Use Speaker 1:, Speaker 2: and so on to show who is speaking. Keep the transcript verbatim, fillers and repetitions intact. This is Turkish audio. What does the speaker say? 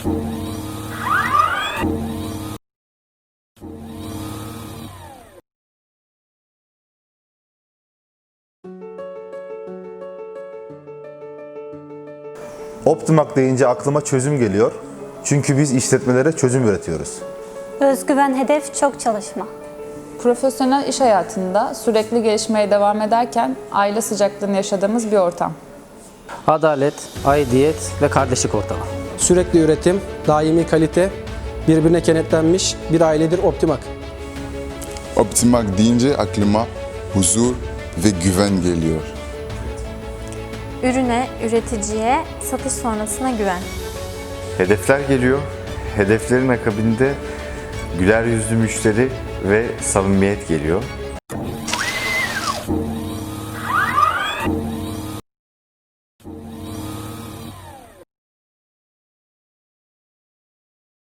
Speaker 1: Optimak deyince aklıma çözüm geliyor. Çünkü biz işletmelere çözüm üretiyoruz.
Speaker 2: Özgüven, hedef, çok çalışma.
Speaker 3: Profesyonel iş hayatında sürekli gelişmeye devam ederken aile sıcaklığını yaşadığımız bir ortam.
Speaker 4: Adalet, aidiyet ve kardeşlik ortamı.
Speaker 5: Sürekli üretim, daimi kalite, birbirine kenetlenmiş bir ailedir Optimak.
Speaker 6: Optimak deyince aklıma huzur ve güven geliyor.
Speaker 7: Ürüne, üreticiye, satış sonrasına güven.
Speaker 8: Hedefler geliyor. Hedeflerin akabinde güler yüzlü müşteri ve samimiyet geliyor.